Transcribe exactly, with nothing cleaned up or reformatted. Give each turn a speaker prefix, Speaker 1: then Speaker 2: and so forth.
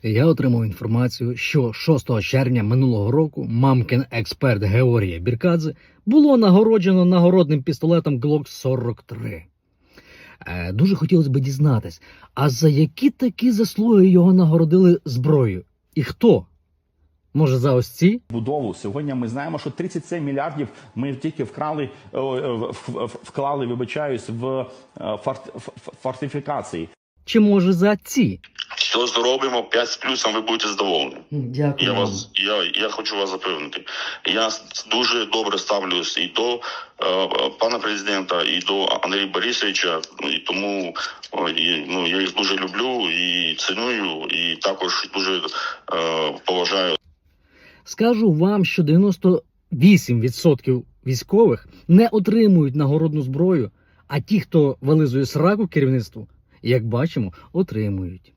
Speaker 1: Я отримав інформацію, що шостого червня минулого року мамкин експерт Георгія Біркадзе було нагороджено нагородним пістолетом Глок сорок три. Е, дуже хотілося б дізнатись, а за які такі заслуги його нагородили зброєю? І хто? Може, за ось ці?
Speaker 2: Будову. Сьогодні ми знаємо, що тридцять сім мільярдів ми тільки вкрали, вклали, вибачаюсь, в фортифікації.
Speaker 1: Чи може за ці?
Speaker 3: Все зробимо, п'ять з плюсом, ви будете задоволені.
Speaker 1: Дякую.
Speaker 3: Я вас, я, я хочу вас запевнити. Я дуже добре ставлюсь і до е, пана президента, і до Андрія Борисовича, і тому і, ну, я їх дуже люблю і ціную, і також дуже е, поважаю.
Speaker 1: Скажу вам, що дев'яносто вісім відсотків військових не отримують нагородну зброю, а ті, хто вилизує сраку керівництву, як бачимо, отримують.